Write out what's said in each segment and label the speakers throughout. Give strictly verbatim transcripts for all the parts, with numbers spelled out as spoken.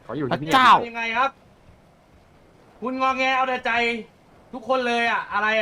Speaker 1: เขาอยู่
Speaker 2: พระ
Speaker 1: ที่นี่
Speaker 2: เจ้า
Speaker 3: ยังไงครับ คุณงอแงเอาแต่ใจทุกคนเลยอะอะไรอะ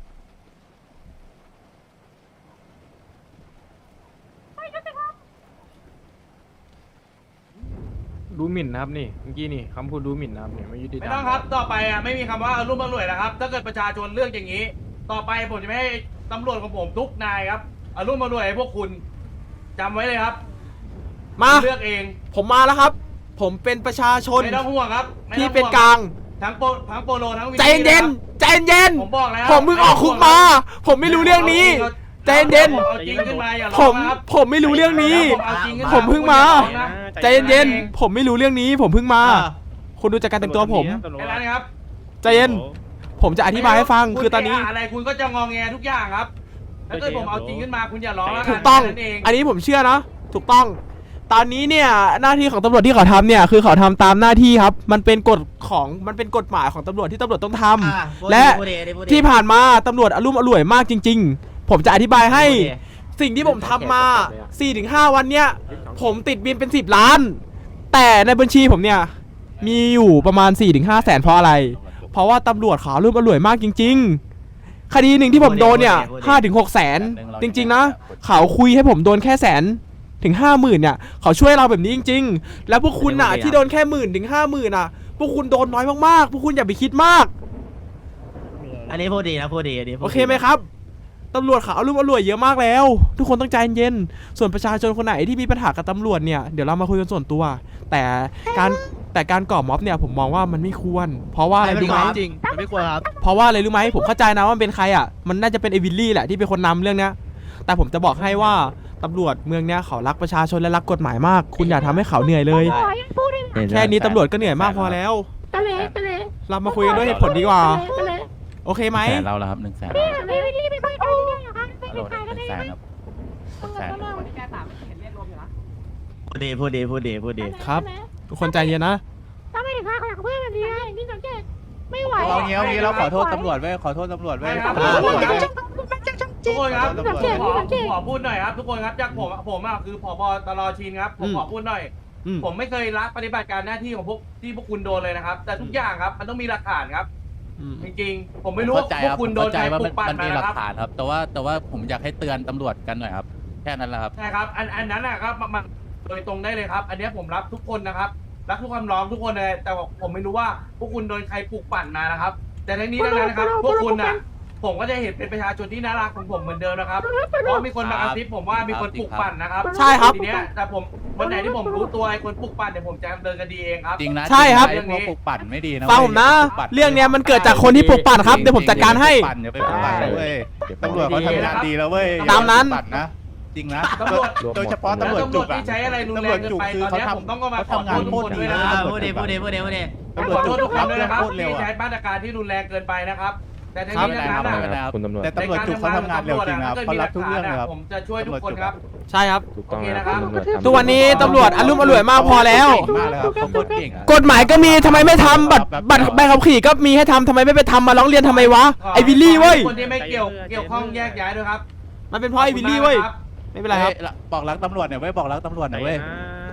Speaker 2: ดูหมิ่นนะครับนี่เมื่อกี้นี่คำพูดดูหมิ่นนะครับเนี่ยไม่ยุติธรรม
Speaker 3: ไม่ต้องครับต่อไปอะไม่มีคำว่าอารมณ์อร่วยนะครับ ถ้าเกิดประชาชนเลือกอย่างนี้ ต่อไปผมจะไม่ให้ตำรวจของผมทุกนายครับอารมณ์อร่วยให้พวกคุณจำไว้เลยครับ
Speaker 4: มา
Speaker 3: เลือกเอง
Speaker 4: ผมมาแล้วครับ ผมเป็นประชาชน
Speaker 3: ไม่ต้องห่วงครับไม่
Speaker 4: ที่
Speaker 3: ต้องห่วง
Speaker 4: เป็นกลาง
Speaker 3: ทั้งโปทั้งโปโลทั้งวิ
Speaker 4: ใจเย็นใจเย็น
Speaker 3: ผมบอกแล้ว
Speaker 4: ผมเพิ่งออกคุกมา ผมไม่รู้เรื่องนี้ ใจเย็น
Speaker 3: ผมเอาจริงขึ้นมาอย่า
Speaker 4: ผ
Speaker 3: ร้อง
Speaker 4: ม
Speaker 3: นะครับ
Speaker 4: ผมไม่รู้เรื่องนี้
Speaker 3: ผมเอาจริงขึ้น
Speaker 4: ผมเพิ่งมา
Speaker 3: อย่ร้องนะ
Speaker 4: ใจเย็นๆผมไม่รู้เรื่องนี้ ผมเพิ่งมา คุณดูจากการแต่งตัวผม
Speaker 3: แค่นั้นครับ
Speaker 4: ใจเย็น ผมจะอธิบายให้ฟัง คือตอนนี้
Speaker 3: ณอะไรคุณก็จะงอแงทุกอย่างครับถ้าเกิดผมเอาจริงขึ้นมาคุณอย่าร้องแล้วน
Speaker 4: ถูกต้อง
Speaker 3: แค่นั้นเอง
Speaker 4: อันนี้ผมเชื่อนะ ถูกต้อง ตอนนี้เนี่ยหน้าที่ของตำรวจที่เขาทำเนี่ยคือเขาทำตามหน้าที่ครับ มันเป็นกฎของมันเป็นกฎหมายของตำรวจที่ตำรวจต้องทำและที่ผ่านมาตำรวจอรุ่มอร่วยมากจริง ๆ ผมจะอธิบายให้สิ่งที่ผมทำมา สี่ถึงห้า วันเนี่ยผมติดบินเป็นสิบล้าน แต่ในบัญชีผมเนี่ยมีอยู่ประมาณ สี่ถึงห้า แสนเพราะอะไร เพราะว่าตำรวจเขาอรุ่มอร่วยมากจริง ๆ คดีหนึ่งที่ผมโดนเนี่ย ห้าถึงหก แสนจริงๆนะเขาคุยให้ผมโดนแค่แสนถึงห้าหมื่นเนี่ยเขาช่วยเราแบบนี้จริงๆแล้วพวกคุณน่ะที่โดนแค่หมื่นถึงห้าหมื่นน่ะพวกคุณโดนน้อยมากๆพวกคุณอย่าไปคิดมาก
Speaker 5: อันนี้พูดดีนะพูดดีอันนี้พูด
Speaker 4: โอ
Speaker 5: ดี
Speaker 4: เคไหมครับตำรวจเขาอารมณ์อร่วยเยอะมากแล้ว ทุกคนต้องใจเย็นส่วนประชาชนคนไหนที่มีปัญหากับตำรวจเนี่ยเดี๋ยวเรามาคุยกันส่วนตัว แต่การแต่การก่อม็อบเนี่ยผมมองว่ามันไม่ควร เพราะว่าอะไรรู้ไหม
Speaker 5: จริงมันไม่ควรครับ
Speaker 4: เพราะว่าอะไรรู้ไหมผมเข้าใจนะว่ามันเป็นใครอ่ะมันน่าจะเป็นเอวิลลี่แหละที่เป็นคนนำเรื่องเนี้ยแต่ผมจะบอกให้ว่าตำรวจเมืองเนี้ยเขารักประชาชนและรักกฎหมายมาก คุณอย่าทำให้เขาเหนื่อยเลย แค่นี้ตำรวจก็เหนื่อยมากพอแล้ว
Speaker 6: ตะเลตะเล
Speaker 4: เรามาคุยกันด้วยเหตุผลดีกว่า
Speaker 6: ตะเล
Speaker 4: โอเคไหม
Speaker 7: แสนเราแล้วครับหนึ่งแสน
Speaker 6: นี่ไม่รีบไปไปเนี่ยเหรอคะไม่
Speaker 7: โหล
Speaker 6: ไป
Speaker 7: ด
Speaker 6: กัน
Speaker 7: หนึ่
Speaker 6: ได้
Speaker 7: ง
Speaker 6: ไห
Speaker 7: แสน
Speaker 6: ม
Speaker 7: ครับหนึ่งแสน
Speaker 5: พูดดีพูดดีพูดดีพูดดี
Speaker 4: ครับ ทุกคนใจเย็นนะ
Speaker 6: ถ้าไม่ถึงค่าขยักเพื่อนแบบนี้อย่างที่สังเกตไม่ไหว
Speaker 7: เอางี้เอางี้เราขอโทษตำรวจไว้ขอโทษตำรวจไว้
Speaker 3: ครับ
Speaker 5: อ่า
Speaker 3: ทุกคนครับ
Speaker 6: สังเกต
Speaker 3: ผมขอ
Speaker 6: สังเก
Speaker 3: ผม
Speaker 6: ต
Speaker 3: ขอพูดหน่อยครับ ทุกคนครับจากผมผมอ่ะคือผบตรชินครับผมขอพูดหน่อย
Speaker 4: อืม
Speaker 3: ผมไม่เคยละปฏิบัติการหน้าที่ของพวกที่พวกคุณโดนเลยนะครับ แต่ทุกอย่างครับมันต้องมีหลักฐานครับ
Speaker 4: อืม
Speaker 3: จริงๆผมไม่รู้ว่า
Speaker 7: เข้าใจ
Speaker 3: พว
Speaker 7: ค
Speaker 3: ก
Speaker 7: รับ
Speaker 3: คุณโดน
Speaker 7: เข้าใจ
Speaker 3: ใคร
Speaker 7: ว่า
Speaker 3: ปลุ
Speaker 7: มัน
Speaker 3: กปั่น
Speaker 7: มัน
Speaker 3: มา
Speaker 7: มีหลั
Speaker 3: นะค
Speaker 7: ก
Speaker 3: รับ
Speaker 7: ฐานครับ แต่ว่าแต่ว่าผมอยากให้เตือนตำรวจกันหน่อยครับแค่นั้นแหละครับ
Speaker 3: ใช่ครับอันอันนั้นนะครับมันมันโดยตรงได้เลยครับ อันเนี้ยผมรับทุกคนนะครับรับทุกคำร้องทุกคนเลยแต่ว่าผมไม่รู้ว่าพวกคุณโดนใครปลุกปั่นมานะครับ แต่ทั้งนี้ทั้งนั้นนะครับ พวกคุณน่ะผมก็จะเห็นเป็นประชาชนที่น่ารักของผมเหมือนเดิมนะครับเพราะมีคนมากระซิบผมว่ามีคนปลุกปั่นนะครับ
Speaker 4: ใช่ครับ
Speaker 3: ทีเนี้ยแต่ผมวันไหนที่ผมรู้ตัวไอ้คนปลุกปั่นเดี๋ยวผมจะดำเนินคดีเองครับ
Speaker 7: จริงนะ
Speaker 4: ใช่ครับ
Speaker 7: จงนะไอ้พวกปลุกปั่นไม่ดีนะ
Speaker 4: ฟังผมนะ
Speaker 7: ว้ยปลุกปั่
Speaker 4: เรื่องเนี้ยมันเกิดจากคนที่ปลุกปั่นครับเดี๋ยวผมจัดการให้
Speaker 7: อย่าไปปลุกปั่นนะเว้ยตำรวจเขาทำงานดีแล้วเว้ย
Speaker 4: ตามนั้น
Speaker 7: อย่ไปปลุกปั่นะจริงนะ
Speaker 3: ตำรวจ
Speaker 7: โดยเฉพาะตำรวจ
Speaker 3: ตำร
Speaker 7: จุ
Speaker 3: วจ
Speaker 7: กอะ
Speaker 3: ที่ใช้อะไรรุนแรงเกินไปตอนเนี้ยผมต้องก็มาขอโทษทุกคนด้วยนะ
Speaker 5: อ่า
Speaker 3: ครับ
Speaker 5: พูดดีพูดดีพูดดีพูดดี
Speaker 3: ผมขอโทษทุกคนด้วยนะครับที่ใช้มาตรการที่รุนแรงเกินไปนะครับ แต่ทั้งนี้ทั้งนั้น
Speaker 7: ไม่เป็นไร
Speaker 3: อะ
Speaker 7: ครับ
Speaker 1: คุณตำรวจ
Speaker 7: แต่ตำรวจจุกเขาทำงานเร็วจริงนะครับเขารับทุกเรื่องเลยครับ
Speaker 3: ผมจะช่วยทุกคนครับ
Speaker 4: ใช่ครับ
Speaker 1: ถูกต้อง
Speaker 3: โอเค
Speaker 1: นะ
Speaker 3: นะ
Speaker 1: ค
Speaker 3: ครั
Speaker 1: รับบ ตำรวจทำ
Speaker 4: ทุกวันนี้ตำรวจอารมณ์อร่วยมากพอแล้ว
Speaker 7: เก่งมากเลยครับเขาโคตรเก่งอะ
Speaker 4: กฎหมายก็มีทำไมไม่ทำบัตรบัตรใบขับขี่ก็มีให้ทำทำไมไม่ไปทำมาร้องเรียนทำไมวะไอวิลลี่เว้ย
Speaker 3: คนที่ไม่เกี่ยวเกี่ยวข้องแยกย้ายด้วยครับ
Speaker 4: มันเป็นเพราะไอวิลลี่เว้ยไม่เป็นไรครับ
Speaker 7: เอ้ยบอกรักตำรวจหน่อยเว้ยบอกรักตำรวจหน่อยเว้ย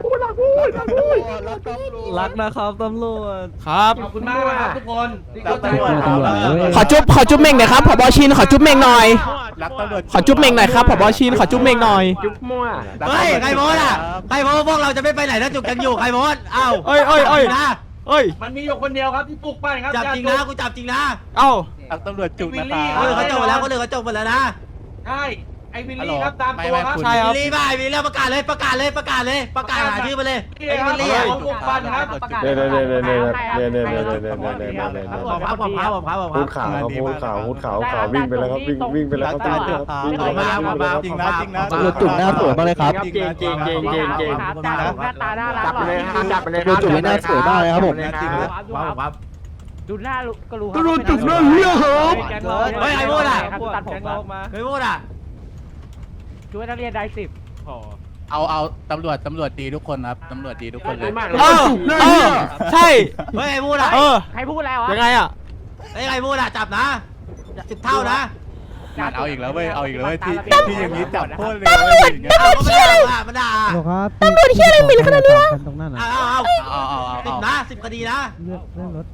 Speaker 5: รักนะครับตำรวจ
Speaker 4: ครับ
Speaker 3: ขอบคุณมากนะครับทุกคนที่เข้าใจ
Speaker 7: รักตำรวจ
Speaker 4: ขอจุ๊บขอจุ๊บเม่งหน่อยครับผบชินขอจุ๊บเม่งหน่อย
Speaker 7: รักตำรวจ
Speaker 4: ขอจุ๊บเม่งหน่อยครับผบชินขอจุ๊บเม่งหน่อย
Speaker 1: จุ๊บมั่ว
Speaker 5: เฮ้ยใครโพสอ่ะใครโพสพวกเราจะไม่ไปไหนถ้าจุกกันอยู่ใครโพสอ้าว
Speaker 4: เอ้ยเอ้ยเอ้ย
Speaker 5: นะ
Speaker 4: เอ้ย
Speaker 3: มันมีอยู่คนเดียวครับที่ปลุกปั้นครับ
Speaker 5: จับจริงนะกูจับจริงนะ
Speaker 4: เอ้า
Speaker 7: รักตำรวจจุกนะค
Speaker 5: เออ
Speaker 7: รั
Speaker 5: เขา
Speaker 7: บ
Speaker 5: จบหมดแล้วคนอื่นเขาจบหมดแล้วนะ
Speaker 3: ใช่ไอ้วิลลี่ครับตามตัวครับ
Speaker 4: ใช่ครับ
Speaker 5: วิลลี่บ้าวิลลี่ประกาศเลยประกาศเลยประกาศเลยประกาศหาชื่อมาเลยไอ้วิลลี่อ่ะ
Speaker 3: ปลุกปั้นครับ
Speaker 1: เดี๋ยวเดี๋ยวเดี๋ยวเดี๋ยวเดี๋ยวเดี๋ยวเดี๋ยวเดี๋ยวเดี๋ยวเดี๋ยวเดี๋ยวเดี๋ยวเดี๋ยว
Speaker 5: ผมครับผมครับผมครับผมค
Speaker 1: พู
Speaker 5: รั
Speaker 1: ด
Speaker 5: บ
Speaker 1: ข่าวครับพูดข่าวพูดข่าวข่าววิ่งไปแล้วครับวิ่งวิ่งไปแล้วครับวิ่งไปแล้วครับวิ่งไปแล้วครับ
Speaker 7: จริงนะจริงนะ
Speaker 5: ตำรวจจุกหน้าสวยมากเลยครับ
Speaker 7: จริงจริงจริงจริงจริง
Speaker 6: หน้าตาน่ารัก
Speaker 1: จับไปเลยครับจับไปเลยค
Speaker 5: ตำร
Speaker 1: รั
Speaker 5: วจจุกหน้าสวยมากเลยครับผม
Speaker 7: จริงนะ
Speaker 5: ครับผมครับ
Speaker 6: ดูหน้าก็รู้
Speaker 4: ตำรวจจุกหน้าเหี้ยเหรอ
Speaker 5: เฮ้ยใครพูดอ่ะ
Speaker 6: ตัดผมมา
Speaker 5: ใครพูดอ่ะ
Speaker 6: ช่วยนักเรียนได้สิบ
Speaker 7: เอาเอาตำรวจตำรวจดีทุกคนครับตำรวจดีทุกคนเลย
Speaker 4: เออเออใช่
Speaker 5: เฮ้ยใครพูดอ่ะ
Speaker 4: เออ
Speaker 6: ใครพูดอะไรวะ
Speaker 4: ยังไงอ่ะ
Speaker 5: เฮ้ยใครพูดอ่ะจับนะสิบเท่านะ
Speaker 7: มันเอาอีกแล้วเว้ยเอาอีกแล้วเว้ยที่ที่อย่างนี้จับโคตรเลยเว้ยอย่างเงี้ย
Speaker 5: เอามันด่ามันด่า
Speaker 1: ครับ
Speaker 6: ตำรวจเชี่ยอะไรหมิ่นขนาดนี้วะ
Speaker 1: ตรงนั้น
Speaker 5: เอา
Speaker 1: นะ
Speaker 5: เอาเอา
Speaker 7: เอาเอาเอา
Speaker 5: สิบ
Speaker 7: เอา
Speaker 5: นะสิบคดีนะ
Speaker 1: เลือกเรื่องรถไป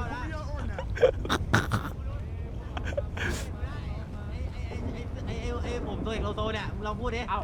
Speaker 5: ไอ้ไอ้ไอ้ผมตัวเอกโลโซเนี่ยมึงลองพูดดิ
Speaker 8: เอ้า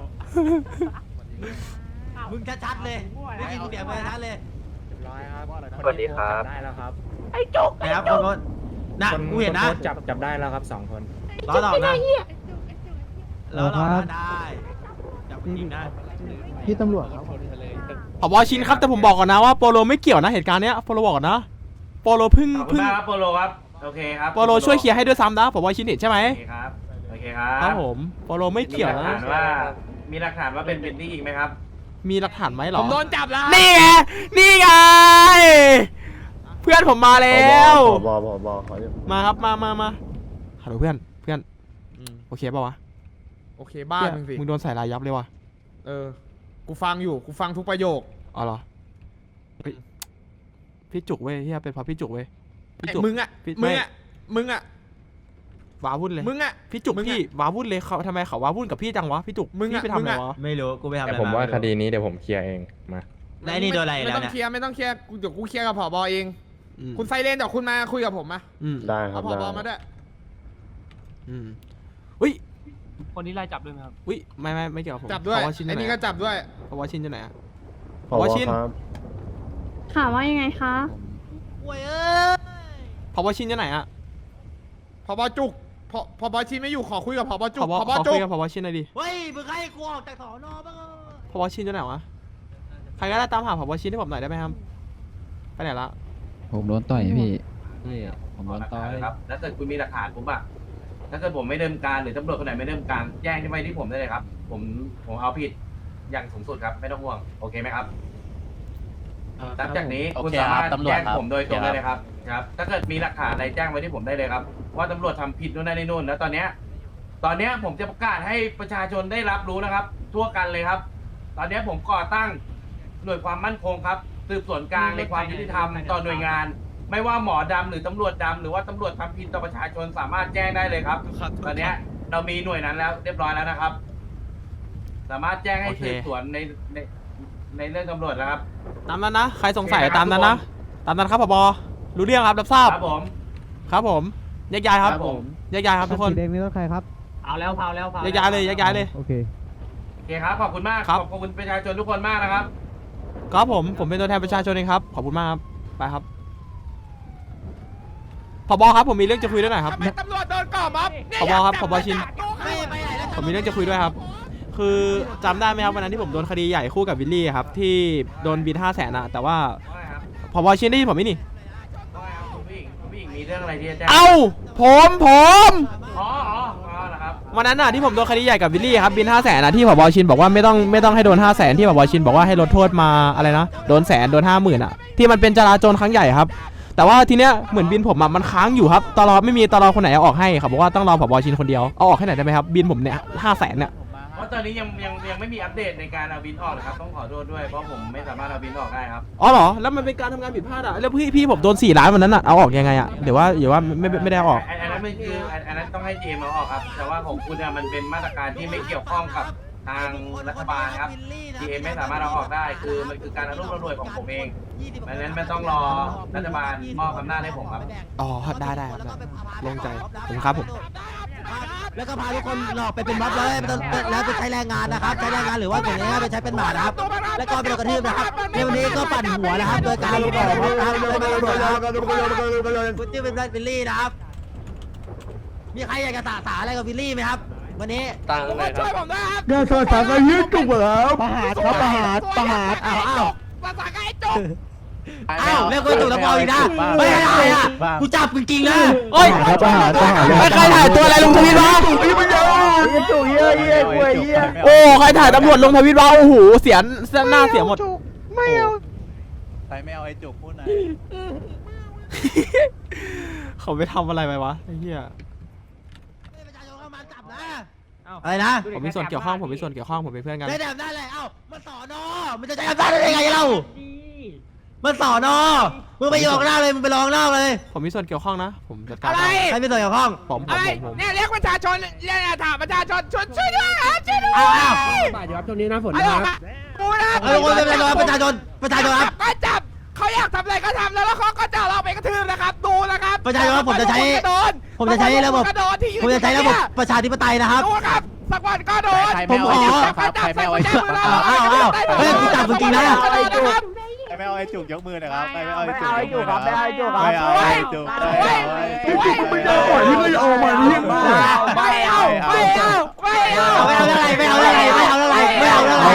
Speaker 5: มึงชัดๆเลยได้ยินเสียงมึงชัดเลย
Speaker 2: สวัสดีครับ
Speaker 8: ได้แล้วครับ
Speaker 6: ไอ้จุก
Speaker 5: นะครับคนคนน่ะกูเห็นนะ
Speaker 2: จับจับได้แล้วครับสองคน
Speaker 5: ล้อหลอกนะ
Speaker 6: เหี้ย
Speaker 5: ล้อหลอกนะได้จับจริงนะ
Speaker 1: พี่ตำรวจครับ
Speaker 4: ผบชินครับแต่ผมบอกก่อนนะว่าโปโลไม่เกี่ยวนะเหตุการณ์เนี้ยโปโลบอกก่อนนะโปโลเพึ่ง
Speaker 3: ขอบคุณ
Speaker 4: เพึ่ง
Speaker 3: มากครับโปโลครับโอเคครับ
Speaker 4: โปโลช่วยเคลียร์ให้ด้วยซ้ำนะผบชินเห็นใช่ไหม
Speaker 3: โอเคครับโอเคครับ
Speaker 4: ครับผมโปโลไม่เกี่ยว
Speaker 3: มีหลั
Speaker 4: นะ
Speaker 3: ฐานว่ามีหลักฐานว่าเป็นเป็นที่อีกไหมครับ
Speaker 4: มีหลักฐานไหมหรอ
Speaker 8: ผมโดนจับแล้ว
Speaker 4: นี่ไงนี่ไงเพื่อนผมมาแล้ว
Speaker 1: บอบอบอขอ
Speaker 4: มาครับมามามาฮัลโหลเพื่อนเพื่อนโอเคป่าวะ
Speaker 8: โอเคบ้านมึงสิ
Speaker 4: มึงโดนใส่ลายยับเลยว่ะ
Speaker 8: เออ กูฟังอยู่ กูฟังทุกประโยค
Speaker 4: อ๋อเหรอเฮ้ยพี่จุกเว้ยเฮียเป็นเพราะพี่จุกเว้ยพี่
Speaker 8: ไอ้
Speaker 4: จุก
Speaker 8: มึงอ่ะ
Speaker 4: พี่
Speaker 8: มึง
Speaker 4: ไม่
Speaker 8: อ่ะ มึงอ่ะ
Speaker 4: ว้าวุ่นเลย
Speaker 8: มึงอ่ะ
Speaker 4: พี่จุก
Speaker 8: มึงอะ
Speaker 4: พี่ว้าวุ่นเลยเขาทำไมเขาว้าวุ่นกับพี่จังวะพี่จุก
Speaker 8: มึงอะ
Speaker 4: พี่ไปทำ
Speaker 8: มึง
Speaker 4: อะไร
Speaker 8: อะ
Speaker 4: วะ
Speaker 5: ไม่รู้กูไปทำอะไร
Speaker 9: แต่ผมว่าคดีนี้เดี๋ยวผมเคลียร์เองมา
Speaker 5: แล้วไอ้นี่โดนอะไร
Speaker 8: ไม่
Speaker 5: แล้ว
Speaker 8: ต้อง
Speaker 5: เนี่ย
Speaker 8: เคลียร์ไม่ต้องเคลียร์กูเดี๋ยวกูเคลียร์กับผบเอง
Speaker 4: อืม
Speaker 8: คุณไซเรนเดี๋ยวคุณมาคุยกับผมมา
Speaker 4: อืม
Speaker 1: ได้ครั
Speaker 8: เอา
Speaker 1: บ
Speaker 8: ผ
Speaker 1: ได้
Speaker 8: บมาด้วย
Speaker 4: อืมอุ้ย
Speaker 2: คนนี้ไล่จับด้วยไหมครับ
Speaker 4: อุ้ยไม่ไม่ไม่เกี่ยวกับผม
Speaker 8: จับด้วย
Speaker 4: เพราะว่าชิ้น
Speaker 8: ไอ้
Speaker 4: ไหน
Speaker 8: นี่ก็จับด้วย
Speaker 4: เพราะว่าชิ้นจะไหนอะ
Speaker 1: ผบ
Speaker 4: ว่าชิ้น
Speaker 1: ครับ
Speaker 6: ถามว่ายังไงคะ
Speaker 5: โอ้ยเอ้ย
Speaker 4: เพราะว่าชิ้นจะไหนอะ
Speaker 8: ผบจุกผผบชินไม่อยู่ขอคุยกับผบจุ
Speaker 4: ข
Speaker 8: ก
Speaker 4: อบอก
Speaker 8: ผบ
Speaker 4: ขอ
Speaker 8: จุ
Speaker 4: คุ
Speaker 8: ก
Speaker 4: ยกับเพราะว่าชิ้นหน่อยดิ
Speaker 5: เฮ้ยมึงให้กูออกจากสอนอบ้าง
Speaker 4: เพราะว่าชิ้นจะไหนวะใครก็ได้ตามหาเพราะว่าชิ้นให้ผมหน่อยได้ไหมครับไปไหนละ
Speaker 9: ผมโดนต่อยพี่พี่ผมโดนต่อย
Speaker 3: ครับแล้วถ้าเกิดคุณมีหลักฐานผมอะถ้าเกิดผมไม่เดิมการหรือตำรวจคนไหนไม่เดิมการแจ้งที่ไว้ที่ผมได้เลยครับ ผมผมเอาผิดอย่างสูงสุดครับไม่ต้องห่วงโอเคไหมครับหลังจากนี้
Speaker 7: โอ
Speaker 3: คุณ
Speaker 7: เค
Speaker 3: สา
Speaker 7: ครั
Speaker 3: มา
Speaker 7: บ
Speaker 3: รถ
Speaker 7: ตำรวจ
Speaker 3: แจ้ง
Speaker 7: ครับ
Speaker 3: ผมโดยตรงได้เลยครับครับ ถ้าเกิดมีหลักฐานอะไรแจ้งไว้ที่ผมได้เลยครับ ว่าตำรวจทำผิดนู่นนั่นนี่นู่นแล้วตอนเนี้ยตอนเนี้ยผมจะประกาศให้ประชาชนได้รับรู้นะครับ ทั่วกันเลยครับ ตอนเนี้ยผมก่อตั้งหน่วยความมั่นคงครับสืบสวนกลางในความยุติธรรมต่อหน่วยงาน ไม่ว่าหมอดำหรือตำรวจดำหรือว่าตำรวจทำผิดต่อประชาชนสามารถแจ้งได้เลยครับ ตอนเนี้ยเรามีหน่วยนั้นแล้วเรียบร้อยแล้วนะครับ สามารถแจ้งให้สืบสวนในในในเรื่องตำรวจแล้วครับ
Speaker 4: ตามนั้นนะใครสงสัย
Speaker 3: โอเคครับ
Speaker 4: ตามนั้นนะตามนั้นครับผบรู้เรื่องครับรับทราบ
Speaker 3: ครับผม
Speaker 4: ครับผมแยกย้ายครับ
Speaker 3: ครับผม
Speaker 4: แยกย้ายครับทุกคน
Speaker 1: สีแดงนี่รถใครครับ
Speaker 8: เอาแล้วเผาแล้วเผา
Speaker 4: แยกย้ายเลยแยกย้ายเลย
Speaker 1: โอเค
Speaker 3: โอเคครับขอบคุณมาก
Speaker 4: ครับ
Speaker 3: ขอบคุณประชาชนทุกคนมากนะครับ
Speaker 4: ครับผมผมเป็นตัวแทนประชาชนเองครับขอบคุณมากครับไปครับผบครับผมมีเรื่องจะคุยด้วยหน่อยครับ
Speaker 8: ทำไมตำรวจโดนก่อม็อบเนี่ย
Speaker 4: ผบครับ
Speaker 8: อยาก
Speaker 4: ผ
Speaker 8: จั
Speaker 4: บชิน
Speaker 5: ไม่ไปไหนแล้ว
Speaker 4: ผมมีเรื่องจะคุยด้วยครับ คือจำได้ไหมครับวันนั้นที่ผมโดนคดีใหญ่คู่กับวิลลี่ครับที่โดนบินห้าแสนอะแต่ว่า
Speaker 3: ว่าไงครับ
Speaker 4: ผบชินได้ยินผมไหมนี่
Speaker 3: ว่าไงครับคุณผู้หญิงคุณผู้หญิงมีเรื่องอะไรที่จะแจ้ง
Speaker 4: เอ้าผมผม
Speaker 3: อ๋ออ๋ออ๋อเหรอครับ
Speaker 4: วันนั้นน่ะที่ผมโดนคดีใหญ่กับวิลลี่ครับบินห้าแสนนะที่ผบชินบอกว่าไม่ต้องไม่ต้องให้โดนห้าแสนที่ผบชินบอกว่าให้ลดโทษมาอะไรนะโดนแสนโดนห้าหมื่นอะที่มันเป็นจราจรครั้งใหญ่ครับแต่ว่าทีเนี้ยเหมือนบินผมอะมันค้างอยู่ครับตลอไม่มีตลอคนไหนเอาออกให้เขาบอกว่าต้องรอผบชินคนเดียวเอาออกให้หน่อยได้ไหมครับบินผมเนี่ยห้าแสนเนี่ย
Speaker 3: เพราะตอนนี้ยังยังยังไม่มีอัปเดตในการเอาบินออกเลยครับต้องขอโทษด้วยเพราะผมไม่สามารถเอาบินออกได้ครับ
Speaker 4: อ๋อเหรอแล้วมันเป็นการทำงานผิดพลาดอะแล้วพี่พี่ผมโดนสี่ล้านวันนั้นอะเอาออกยังไงอะเดี๋ยวว่าเดี๋ยวว่าไม่ไม่ไม่ได้เอาออก
Speaker 3: อันอันนั้นมันคืออันอันนั้นต้องให้จีเอ็มเอาออกครับ แต่ว่าของคุณเนี่ยมันเป็นมาตรการที่ไม่เกี่ยวข้องกับทางรัฐบาลครับ จีเอ็มไม่สามารถเอาออกได้ คือมันคือการอนุรักษ์รวยของผมเองดังนั้นไม่ต้องรอรัฐบาลมอบอำนาจให้ผมครับ
Speaker 4: อ๋อได้ได้ครับได้ลงใจผมครับผม
Speaker 5: แล้วก็พาทุกคนหลอกไปเป็นม็อบเลยไม่ต้องแล้วไปใช้แรงงานนะครับ ใช้แรงงานหรือว่าอย่างนี้ไปใช้เป็นหมานะครับ แล้วก็ไปโดนกระทืบนะครับในวันนี้ก็ปั่นหัวนะครับ โดยการลงของม็อบนะครับโดยการตำรวจนะครับคุณชื่อเป็นวิลลี่นะครับ มีใครอยากจะสาสาอะไรกับวิลลี่ไหมครับ วันนี้
Speaker 8: ผมว่าช่วยผมด้วยครับ
Speaker 1: เดี๋ยวโทรศัพท์ก็ยืดจุกแล้ว
Speaker 5: ประหารครับประหารประหารอ้าวอ้าว
Speaker 8: ภาษาไอ้จุก
Speaker 5: อ้าวเรียกว่าถูกแล้วพออีกนะไม่ได้อะกูจับจริงๆนะ
Speaker 4: โอ้ย
Speaker 1: ครับประหารประหาร
Speaker 4: ใครถ่ายตัวอะไรลงทวิตวะ
Speaker 1: จุกเยอะเยอะกว่าเยอะ
Speaker 4: โอ้ใครถ่ายตำรวจลงทวิตวะโอ้โหเสียหน้าเสียหมด
Speaker 6: ไม่เอา
Speaker 7: ใครไม่เอาไอ้จุกพูดหน่อย
Speaker 4: เขาไปทำอะไรไปวะไอ้เหี้ย
Speaker 5: ประชาชนเข้ามาจับนะอะไรนะ
Speaker 4: ผมมีส่วนเกี่ยวข้องผมมีส่วนเกี่ยวข้องผมเป็นเพื่อนกัน
Speaker 5: ได้แต่ได้เลยเอ้ามันสอนอมันจะใช้อำนาจได้ยังไงเรามันสอนอมึงไปยองหน้าเลยมึงไปลองหน้าเลย
Speaker 4: ผมมีส่วนเกี่ยวข้องนะ ผมจัดการ
Speaker 6: อะไร
Speaker 5: ใครไม่ส่วนเกี่ยวข้อง
Speaker 4: ผมผม
Speaker 6: อะไร
Speaker 4: ผมผม
Speaker 6: เนี่ยเรียกประชาชนเนี่ยถามประชาชนช่วยช่วยด้วยครับช่วยด้วย
Speaker 5: เอาเอา
Speaker 6: บาดอยู่ครับช่วงนี้นะฝนนะครับกูนะ
Speaker 5: เอาทุกคนเป็นประชาชนประชาชนครับ
Speaker 6: ก็จับเขาอยากทำอะไรก็ทำแล้วแล้วเขาก็จะเอาเราไปกระทืบนะครับดูนะครับ
Speaker 5: ประชาชนครับผมจะใช้
Speaker 6: โดน
Speaker 5: ผมจะใช้ระบบ
Speaker 6: กระโดดที่ยืน
Speaker 5: ผมจะใช้ระบบประชาธิปไตยนะครับ
Speaker 6: ดูครับสักวันก็โดน
Speaker 7: ใครไม่เอาไอ้จุกครับใครไม่เอาไอ้จุก
Speaker 5: เอาเอาเอาเฮ้ยกูจับมึงจริงนะ
Speaker 7: ใครไม่เอาไอ้จุกยกมือหน่อยครับใครไม่เอาไอ้จุกยกมือครับไม่เอาไอ้จุกครับไม่เอาไอ้จุกไม่เอา
Speaker 1: ไม่ได้ปล่อยที่ไม่ออกมาเนี่ย
Speaker 6: ไม่เอาไม่เอาไม่เอา
Speaker 5: ไม่เอาอะไรไม่เอาอะไรไม่เอาอะไรไม่เอาอะไร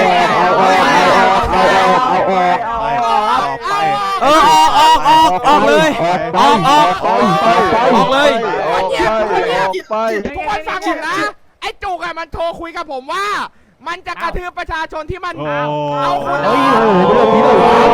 Speaker 4: เออออกออกออกออกเลยออกออกออกเลย
Speaker 1: ไป
Speaker 6: ทุกคนฟังผมนะไอ้จุกอะมันโทรคุยกับผมว่า มันจะกระทืบประชาชนที่มันเอาคุณ
Speaker 1: เฮ้ยโอ้โหเรื่องนี้เลย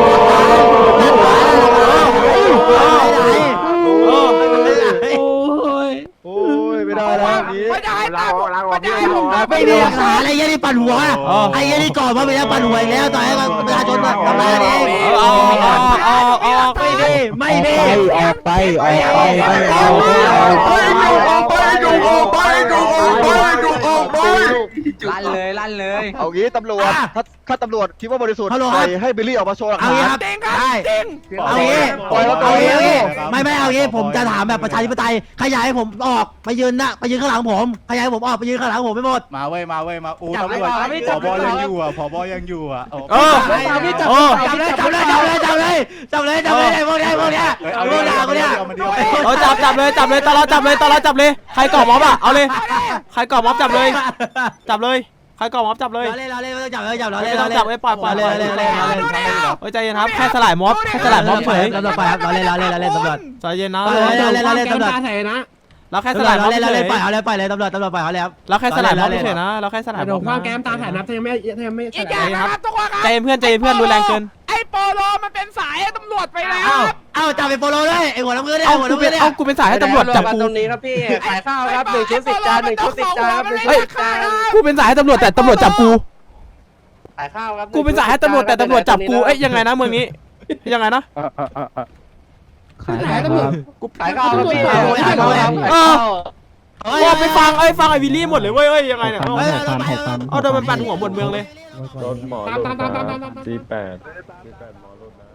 Speaker 1: โอ้ยไม่ได้แล้วนี้
Speaker 6: ไม่ได้ตามผมไม่ได้ผม
Speaker 5: ไม่มีหลักฐานอะไรยันนี่ปั่นหัวไอ้ยันนี่ก่อนว่าไปแล้วปั่นหัวแล้วต่อให้ประชาชนทำอะไรกันเอง
Speaker 4: ออกออกออกออก
Speaker 5: ไม่ดีไม่ดี
Speaker 1: ออกไปออกไปไม่เอาออกไปดูออกไปดูออกไปดูออกไป
Speaker 7: ลั่นเลยลั่นเลย
Speaker 1: เอางี้ตำรวจถ้าถ้าตำรวจคิดว่าบริสุทธิ์ปล่อยให้บิลลี่ออกมาโชว์หลัก
Speaker 5: เอา
Speaker 1: ฐา
Speaker 5: งี้
Speaker 1: น
Speaker 5: ครับ
Speaker 6: จริงครับ
Speaker 5: ได้
Speaker 6: จริง
Speaker 5: เอางี้เอางี้เอางี้ไม่ไม่เอางี้ผมจะถามแบบประชาธิปไตยขยายให้ผมออกไปยืนนะไปยืนข้างหลังผมขยายให้ผมออกไปยืนข้างหลังผมไม่หมด
Speaker 7: มาเว้ยมาเว้ยมาโอ้ตำรวจผบยังอยู่อ่ะผบยังอยู่อ่ะ
Speaker 4: เออ
Speaker 5: จับเลยจับเลยจับเลยจับเลยจับเลยจับเลยพวกนี้พวกนี้พวกนี้พวกนี้
Speaker 4: เออจับจับเลยจับเลยตลอดจับเลยตลอดจับเลยใครก่อม็อบอ่ะเอาเลยใครก่อม็อบจับเลย จับเลยใครก่อม็อบจับเลย
Speaker 5: เราเล่นเราเล่นไม่ต้องจับเลยจับเรา
Speaker 4: ไม่
Speaker 5: เล่น
Speaker 4: ต้องจับไอ้ปล่อยปล่อย
Speaker 5: เล่นเล่นเล่นเล่น
Speaker 4: เฮ้ยใจเย็นครับแค่สลายม็อบแค่สลายม็อบเฉย
Speaker 5: ตำรวจไปครับเราเล่นเราเล่นเราเล่นตำรวจ
Speaker 4: ใจเย็นนะ
Speaker 5: เราเล่นเราเล่นตำรวจ
Speaker 4: เราแค่ส
Speaker 5: ตำรว
Speaker 4: ลา
Speaker 5: จ
Speaker 4: ยม็
Speaker 5: เรา
Speaker 4: อบ
Speaker 5: เล่น
Speaker 4: เฉ
Speaker 5: เรา
Speaker 4: ย
Speaker 5: เล่นปล่อยเอาเลยปล่อยเลยตำรวจตำรวจปล่อยเขาเลยครับ
Speaker 4: เราแค่สลายม็อบเฉยนะเราแค่สลายม็อบ
Speaker 6: ความแก้มตามหานับยังไม่ยังไม่อีกอย่างนะครับทุกคนครับ
Speaker 4: ใจเย็นเพื่อนใจเย็นเพื่อนรุนแรงเกิน
Speaker 6: ไอ้โปโลมันเป็นสายตำรวจไปแล้ว
Speaker 5: เอ้าเอ้าจับไปโปโลด้วยไอ้หัวน้ำเงินเนี่ย
Speaker 4: เอา
Speaker 5: หัว
Speaker 4: กู
Speaker 5: น้ำ
Speaker 4: เป็
Speaker 5: เงิ
Speaker 4: น
Speaker 5: นเนี่ย
Speaker 4: เอากูเป็นสายให้ตำรวจจับกู
Speaker 6: ตรงนี้ครับพี่ขายข้าวครับหนึ่งชุดสิบจานหนึ่งชุดสิบจานครับ
Speaker 4: เฮ้ยกูเป็นสายให้ตำรวจแต่ตำรวจจับกู
Speaker 6: ขายข้าวครับ
Speaker 4: กูเป็นสายให้ตำรวจแต่ตำรวจจับกูเอ้ยยังไงนะเมืองนี้ยังไงนะ
Speaker 9: ขายครับ
Speaker 4: กู
Speaker 6: ขายข้าวครับพี่
Speaker 4: เออว่าไปฟังเอ้ยฟังไอ้วิลลี่หมดเลยเว้ยเอ้ยยังไงเนี่ย
Speaker 9: หกพันหกพัน
Speaker 4: เอาโดนมันปั่นหัวหมดเมืองเลย
Speaker 1: โดนหมอลงครับสี่แปดสี่แปดหมอลงนะ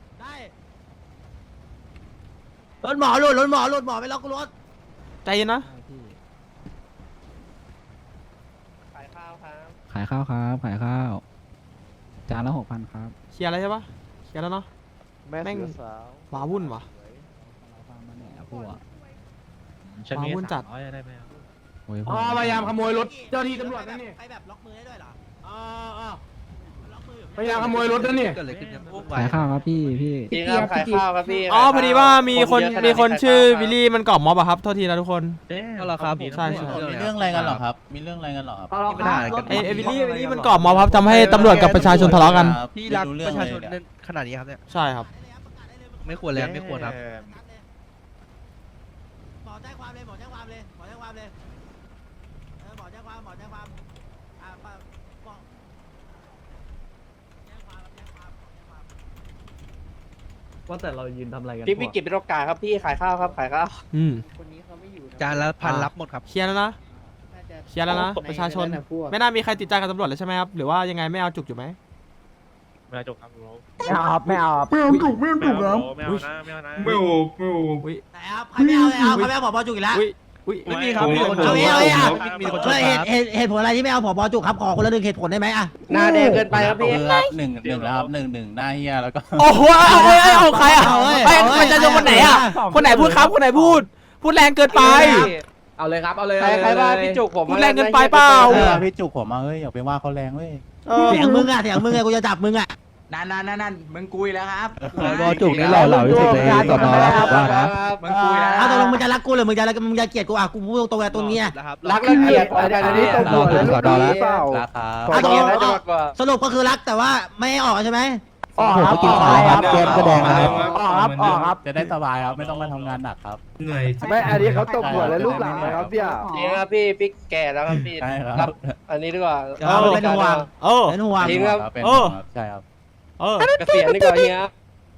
Speaker 5: รถหมอหลุดรถหมอหลุดหมอไปล็อกรถ
Speaker 4: ใจเย็นนะ
Speaker 6: ขายข้าวครับ
Speaker 9: ขายข้าวครับขายข้าวจานละหกพันครับ
Speaker 4: เคลียร์อะไรใช่ปะเคลียร์แล้วเนาะ
Speaker 1: แม่เสือสาว
Speaker 4: ว้าวุ่นวะ
Speaker 9: มาแหน่พวก
Speaker 4: ว้าวุ่นจัด
Speaker 9: โอ้ย
Speaker 6: อ๋อพยายามขโมยรถเจ้าที่ตำรวจนั่นนี่
Speaker 5: ไปแบบล็อกมือได้ด้วยเหรอ
Speaker 6: อ๋อพยายามขโมยรถนั่นนี่
Speaker 9: ขายข้าวครับพี่พี่
Speaker 6: จริงครับขายข้าวครับพี่
Speaker 4: อ๋อพอดีว่ามีคนมีคนชื่อวิลลี่มันก่อม็อบอะครับโทษทีนะทุกคน
Speaker 7: ก็เหรอครับ
Speaker 4: ใช่ใช่
Speaker 7: มีเรื่องอะไรกันหรอครับมีเรื่องอะไรกันหรอครับ
Speaker 4: ไอ้ไอ้วิลลี่วิลลี่มันก่อม็อบครับทำให้ตำรวจกับประชาชนทะเลาะกัน
Speaker 7: พี่รักประชาชน
Speaker 10: ขนาดนี้ครับเนี่ย
Speaker 4: ใช่ครับ
Speaker 10: ไม่ควรเลยไม่ควรครับ
Speaker 5: หมอแจ้งความเลยหมอแจ้งความเลยหมอแจ้งความเลยเออหมอแจ้งความหมอแจ้งความอ่าบอกแจ้งความแจ้งความแจ้งความ
Speaker 2: ว่าแต่เรายืนทำอะไรกัน
Speaker 6: พี่วิกิตเป็นโอกาสครับพี่ขายข้าวครับขายข้าว
Speaker 4: อืม
Speaker 10: จานละพันรับหมดครับ
Speaker 4: เคลียร์แล้วนะเคลียร์แล้วนะประชาชนไม่น่ามีใครติดใจกับตำรวจแล้วใช่ไหมครับหรือว่ายังไงไม่เอาจุกอยู่ไหม
Speaker 10: ไม่เอาจบครับ
Speaker 1: ไม่เอาไม่เอา
Speaker 10: ไม่เอาจุกไม่เอาจุกครับไม่เอานะไม่เอานะไม่เอา
Speaker 4: อุ้ย
Speaker 5: ไหนครับใครไม่เอาเลยเอาใครไม่เอาผบจุกอีกแล้ว
Speaker 4: อุ้ยอุ้ย
Speaker 10: ไม่มีครับมีคน
Speaker 5: เอางี้เอางี้อ่ะ
Speaker 10: มีคนช
Speaker 5: เอ
Speaker 10: น
Speaker 5: อเหตุเหตุเหตุผลอะไรที่ไม่เอาผบจุกครับขอคนละหนึ่งเหตุผลได้ไหมอ่ะ
Speaker 6: หน้าแดงเกินไปครับพี่
Speaker 7: หนึ่งหนึ่งนะครับหนึ่งหนึ่งหน้าเฮียแล้วก็
Speaker 4: โอ้โหเอาเอ้ยเอาใครอ่ะไอ้ประชาชนคนไหนอ่ะคนไหนพูดครับคนไหนพูด พูดแรงเกินไป
Speaker 2: เอาเลยครับเอาเลย
Speaker 6: ใครใครว่าพี่จุกผม
Speaker 4: พูดแรงเกินไปเปล่า
Speaker 7: เออพี่จุกผมมาเฮ้ยอย่าไปว่าเขาแรงเว้ย
Speaker 5: เสียงมึงอ่ะเสียงมึงอ่ะกูจะจับมึงอ่ะ
Speaker 7: นั่นนั่นนั่นนั่นมึงกุยแล้วครับ
Speaker 9: บอจุกนี่หล่อเหลาที่สุดในสอนอแล้วผมว่านะ
Speaker 7: มึงกุยแล้ว
Speaker 5: เอาตกลงมึงจะรักกูหรือมึงจะรักมึงจะเกลียดกูอ่ะกูพูดตรงๆเลยตรงเนี้ย
Speaker 6: รักและเกลียด
Speaker 1: อันนี้ตำรวจแล้วลูกนี้เปล่า
Speaker 7: ราคา
Speaker 5: เอาตกลง
Speaker 6: น่าจะมากกว่า
Speaker 5: สรุปก็คือรักแต่ว่าไม่ให้ออกใช่ไหม
Speaker 1: ออกครับออกครับเกมก็แดงครับ
Speaker 7: ออกครับออกครับจะได้สบายครับไม่ต้องมาทำงานหนักครับ
Speaker 1: ไม่อันนี้เขาตบหัวแล้วลูกหลังนะครับพี่อ่ะ
Speaker 6: จริงครับพี่พี่แก่แล้วครับพี่
Speaker 7: ใช่ครับ
Speaker 6: อันนี้ดีกว่า
Speaker 5: เอาเป็นห่วง
Speaker 4: เออ
Speaker 5: เป็นห่วง
Speaker 6: จริงครับ
Speaker 7: เป็น
Speaker 4: เออ
Speaker 7: ใช่ครับ
Speaker 4: เออ
Speaker 6: เกษียณดีกว่าเฮีย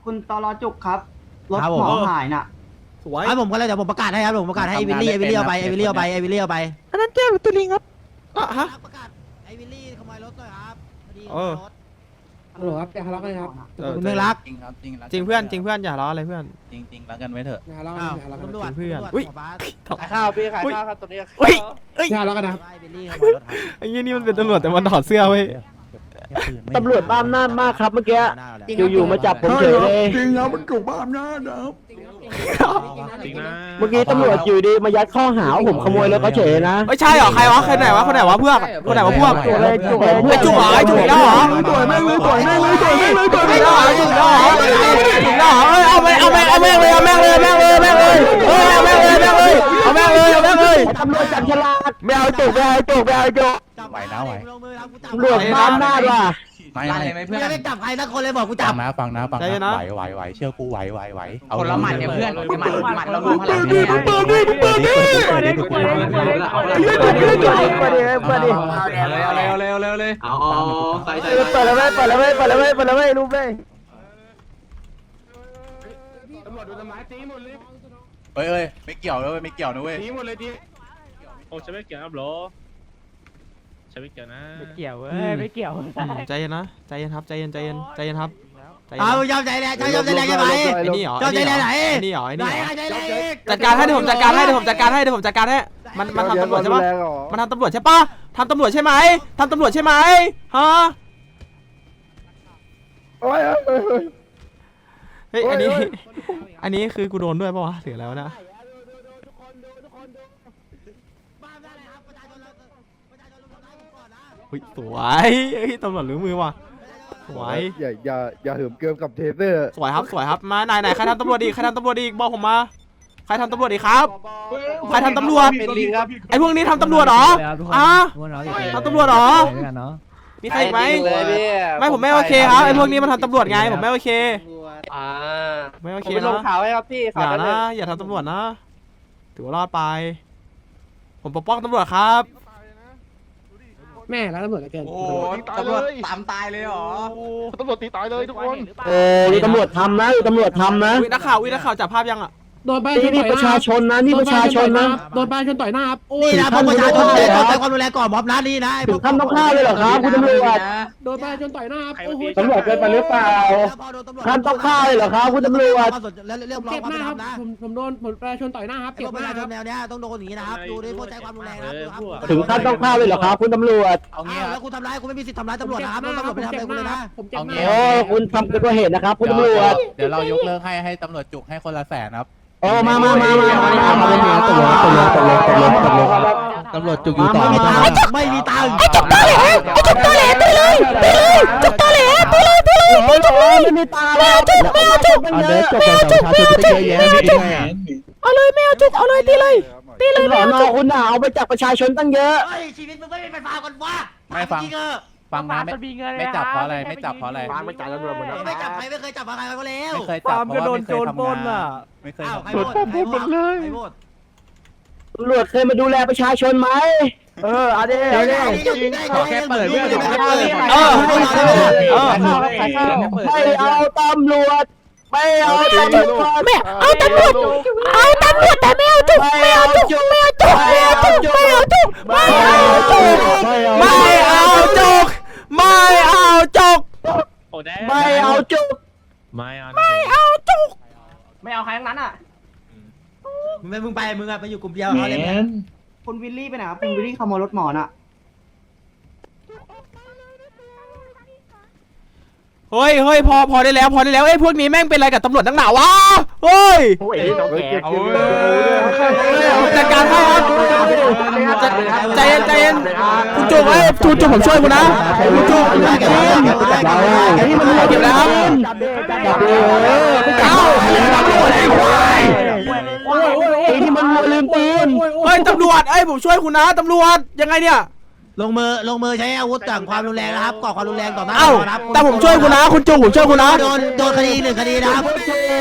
Speaker 5: คุณตลอจุกครับรถหมอหายน่ะ
Speaker 4: สวย
Speaker 5: ครับผมก็เลยเดี๋ยวผมประกาศให้ครับผมประกาศให้ไอวิลลี่ไอวิลลี่เอาไปไอวิลลี่เอาไปไอวิลลี่เอาไป
Speaker 4: อันนั้นแก้วหรือตัวลิงครับอ่ะฮะ
Speaker 5: ประกาศไอวิลลี่ขโมยรถหน่อยครับพอดี
Speaker 4: เออ
Speaker 5: ฮัลโหลครับจะทะเลาะกันครับ
Speaker 4: เออ
Speaker 5: คุณเมืองรัก
Speaker 10: จริงครับจริง
Speaker 4: จริงเพื่อนจริงเพื่อนอย่าล้ออะไรเพื่อน
Speaker 10: จริงจริงรักกันไว้เถอะ
Speaker 5: อ้าวตำรวจ
Speaker 4: เพื่อน
Speaker 5: ตำรวจ
Speaker 4: อุ๊ย
Speaker 5: ขบาส
Speaker 10: ขายข้าวพี่ขายข้าวครับตรงนี้
Speaker 4: เฮ้ยเอ้ย
Speaker 5: อย่าทะเลาะกันนะไอวิลลี่ขโมยรถครับ
Speaker 4: ไอ้ยี่นี่มันเป็นตำรวจแต่มันถอดเสื้อเว้ย
Speaker 5: ตำรวจบ้ามหน้ามากครับเมื่อกี้
Speaker 6: อยู่ๆมาจับผมเฉยเลย
Speaker 1: จริงนะมันจุกบ้ามหน้านะ
Speaker 10: จริงนะ
Speaker 6: เมื่อกี้ตำรวจอยู่ดีมายัดข้อหาว่าผมขโมยรถเขาเฉยนะ
Speaker 4: ไม่ใช่เหรอใครวะใครไหนวะคนไหนวะเพื่อนคนไหนวะพวก
Speaker 6: จุกเลยจุกเลย
Speaker 4: ไอ้จุกเหรอไอ้จุกอีกแล้วเหรอ
Speaker 1: ต่อยแม่งเลยต่อยแม่งเลยต่อยแม่งเลยต่อย
Speaker 4: จุ
Speaker 1: แม่
Speaker 4: ก
Speaker 1: ง
Speaker 4: อีก
Speaker 1: เล
Speaker 4: แล้วเหรอย จุกอีกแล้วเหรอจุกอีกแล้วเหรอเอ้ยเอาไปเอาไปเอาแม่งเลยเอาแม่งเลยเอาแม่งเลยแม่งเลยเอ้ยเอาแม่งเลยแม่งเลยเอาแม่งเลยเอาแม่งเลย
Speaker 6: ตำรวจจับฉลาดไม่เอาจุกไม่เอาจุกไม่เอาจุก
Speaker 10: ไหวนะไหว
Speaker 6: ตำรวจบ้ามหน้าว่ะ
Speaker 10: ไม่ไม่
Speaker 5: ไม่ได้จับใครสักคนเลยบอกกูจั
Speaker 10: ฟั
Speaker 5: บ
Speaker 10: งนะฟังนะฟัง
Speaker 4: ใจเย็น
Speaker 10: นะ
Speaker 4: นะ
Speaker 10: ไหวไหวไหวเชื่อกูไหวไหวไหวเอา
Speaker 3: คนละหมัดเนี่ยเพื่อนหมัดหมัดเรารวมพ
Speaker 1: เปิ
Speaker 3: ลัง
Speaker 1: ดดิเปิดดิเปิดดิ
Speaker 6: เปิดดิเปิดดิเปิดดิเปิดดิเปิดดิเปิดดิ
Speaker 3: เอาเลยเอาเลยเอาเลยเอาเลยเอาเลยเอาใส่ใส่
Speaker 6: เปิดแล้วเว้ยเปิดแล้วเว้ยเปิดแล้วเว้ยเปิดแล้วเว้ยรูปเลย
Speaker 10: เฮ้ยเฮ้ยไม่เกี่ยวนะเว้ยไม่เกี่ยวนะเว้ย
Speaker 2: โอ้ฉันไม่เกี่ยวครับหรอฉันไม่เกี่ยวนะ
Speaker 6: เกี่ยวเว้ยไม่เกี่ยว
Speaker 4: ใจเย็นนะใจเย็นครับใจเย็นใจเย็นใจเย็นครับใจเย็น
Speaker 5: เอายอมใจแรงยอมใจแรงใช่ไหม
Speaker 4: ไอ้นี่เหรอ
Speaker 5: เจ้าใจแรงไหน
Speaker 4: ไอ้นี่เหรอไอ้
Speaker 5: ไหน
Speaker 4: นี่เหรอ
Speaker 5: ใครใจแรงอีก
Speaker 4: จัดการให้เดี๋ยวผมจัดการให้เดี๋ยวผมจัดการให้เดี๋ยวผมจัดการให้มันมันทำตำรวจใช่ปะมันทำตำรวจใช่ปะทำตำรวจใช่ไหมทำตำรวจใช่ไหมฮะ
Speaker 6: โอ้ย
Speaker 4: เฮ้ยอันนี้อันนี้คือกูโดนด้วยปะวะหรืออะไรวะนะ
Speaker 5: บ้าได้เลยครับประชาชนเราประชาชนลุมทำร้ายผมก่อนนะ
Speaker 4: เฮ้ยสวยเฮ้ยตำรวจรู้มือว่ะสวย
Speaker 8: อย่าอย่าอย่าเหิมเกิมกับเทเซอร์
Speaker 4: สวยครับสวยครับมาไหนไหนใครทำตำรวจอีกใครทำตำรวจอีกบอกผมมาใครทำตำรวจอีกครับใครทำตำรวจ
Speaker 10: เป็นลิงครับ
Speaker 4: ไอ้พวกนี้ทำตำรวจเหรออ่ะทำตำรวจเหรอมีใครอีกไหมไม่ผมไม่โอเคครับไอ้พวกนี้มันทำตำรวจไงผมไม่โอเค
Speaker 6: อ่า
Speaker 4: ไม่โอ
Speaker 6: ผม
Speaker 4: เค
Speaker 6: ไปลง
Speaker 4: นะ
Speaker 6: ข่าวให้ครับพี่
Speaker 4: อ
Speaker 6: ข่าว
Speaker 4: ย่า
Speaker 6: นั้น
Speaker 4: นะอย่าทำตำรวจนะถือว่ารอดไป ผมปกป้องตำรวจครับ
Speaker 6: แม่แล้วตำรวจเกิน
Speaker 3: โอ้ตำรวจตามตายเลยเหรอ
Speaker 8: ตำรวจตีตายเลยทุกคน
Speaker 6: โอ้ยตำรวจทำนะตำรวจทำนะ
Speaker 4: วินักข่าววินักข่าวจับภาพยังอ่ะ
Speaker 6: โดนประชาชนนี่ประชาชนนะนี่ประชาชนนะโดนประชาชนต่อยหน้าครับโอ้ย
Speaker 5: นี่นะพวกประชาชนเลยต้องใช้ความรุนแรงก่อนม็อบนะนี่นะ
Speaker 6: ถึงขั้นต้องฆ่าเลยเหรอครับคุณตำรวจ
Speaker 3: โดนประชาชนต่อยหน้าครับ
Speaker 6: ตำรวจเกินไปหรือเปล่าขั้นต้องฆ่าเลยเหรอครับคุณตำรวจ
Speaker 5: แล้วเรียกร้อง
Speaker 6: เก็บ
Speaker 5: ความ
Speaker 6: ห
Speaker 5: เป็
Speaker 6: น้าน
Speaker 5: ธ
Speaker 6: ค
Speaker 5: ร
Speaker 6: รั
Speaker 5: ร
Speaker 6: บ
Speaker 5: มนะ
Speaker 6: ผมผมโดนผมประชาชนต่อยหน้าครับ
Speaker 5: ไอ้
Speaker 6: เก็
Speaker 5: พ
Speaker 6: บ
Speaker 5: วก
Speaker 6: ห
Speaker 5: ประ
Speaker 6: น้า
Speaker 5: ชาช
Speaker 6: คน รับ
Speaker 5: แนวเนี้ยต้องโดนอย่างนี้นะครับดูด้วยพวกใช้ความรุนแรงนะดูครับ
Speaker 6: ถึงขั้นต้องฆ่าเลยเหรอครับคุณตำรวจ
Speaker 10: เอางี้
Speaker 5: อ้าว
Speaker 10: ครั
Speaker 5: แล้
Speaker 10: บ
Speaker 5: วคุณทำร้ายคุณไม่มีสิทธิ์ทำร้ายตำรวจนะครับต้องตำรวจไปทำอะไรคุณเลยนะ
Speaker 6: ผมเจ็บห
Speaker 10: เอางี้
Speaker 6: น้าโอ้คุณทำเกินกว่าเหตุนะครับคุณตำรวจ
Speaker 10: เดี๋ยวเรายกเลิกให้ให้ตำรวจจุกให้คนละแสนครับ
Speaker 6: โอ้มามามามามามามามาตำรวจตำรวจตำรวจตำรวจตำรวจ
Speaker 10: ตำรวจจุกอยู่ต่อ
Speaker 5: ไม่มีตังค์ไม่มีตังค์ไอ้จุกตอแหลไอ้จุกตอแหลไปเลยไปเลยจุกตอแหลไปเลยไปเลยไปเลยไม่มีตังค์ไม่เอาจุกไม่เอาจุก
Speaker 6: เอาเด็กจบกับประชาชนไปเยอะแยะไม่ได้ไง
Speaker 5: เอาเลยไม่เอาจุกเอาเลยตีเลยตีเลย
Speaker 6: หลอนอคุณน่ะเอาไปจากประชาชนตั้งเยอะ
Speaker 5: เฮ้ยชีวิตมึงไม่เป็นไฟฟ้ากันวะ
Speaker 10: ไม่ฟัง
Speaker 5: จริงเออ
Speaker 10: ฟังนะไม่ไม่จับเพราะอะไรไม่จับเพราะอะไร
Speaker 8: ไม่จ่ายตำรวจหมดแล้ว
Speaker 5: ไม่จับใครไม่เคยจับใครก็แล้ว
Speaker 10: ไม่เคยจับเพราะว่าไม่เคยทำงานไม่เคย
Speaker 5: อ้าว
Speaker 10: ทำ
Speaker 5: ใครง
Speaker 10: าน
Speaker 5: โหวตใครโหวตใครโหวต
Speaker 6: ตำรวจเคยมาดูแลประชาชนไหมเออเอาดิเอาดิ
Speaker 5: ขอแค่เปิดเรื่องขอแค่เปิด
Speaker 4: เออเออ
Speaker 6: ไม่เอาตำรวจไม่เอาตำรวจ
Speaker 5: ไม่เอาตำรวจเอาตำรวจแต่ไม่เอาจุกไม่เอาจุกไม่เอาจุกไม่เอาจุกไม่เอาจุกไม่เอาจุก
Speaker 4: ไม่เอาจุกไม่เอาจุก
Speaker 2: โอ้แด
Speaker 6: ไม่เอาจุก
Speaker 2: ไม่เอา
Speaker 4: ไม่เอาจุก
Speaker 3: ไม่เอาใครทั้งนั้นอ่ะ
Speaker 5: มึงมึงไปมึงอะไปอยู่กลุ่มเดียวเขาเลยไหม
Speaker 3: คุณวิลลี่ไปไหนครับคุณวิลลี่ขโมยรถหมอน่ะ
Speaker 4: เฮ้ยเฮ้ยพอพอได้แล้วพอได้แล้วไอ้พวกนี้แม่งเป็นอะไรกับตำรวจตั้งหนาวะเฮ้ย
Speaker 8: โอ้ยต้องแก
Speaker 4: จัดการให้ครับจัดใจเย็นใจเย็นคุณจุกเอ้ยคุณจุกผมช่วยคุณนะคุณจุกเก็บแล้วครับเอ้า
Speaker 6: ไอ้ที่มันลืมตีน
Speaker 4: เฮ้ยตำรวจเอ้ยผมช่วยคุณนะตำรวจยังไงเนี่ย
Speaker 5: ลงมือลงมือใช้อาวุธต่างความรุนแรงนะครับก่อความรุนแรงต่อหน้า
Speaker 4: เอ้าแต่ผมช่วยคุณนะคุณจุกผมช่วยคุณนะ
Speaker 5: โดนโดนคดีหนึ่งคดีนะครับ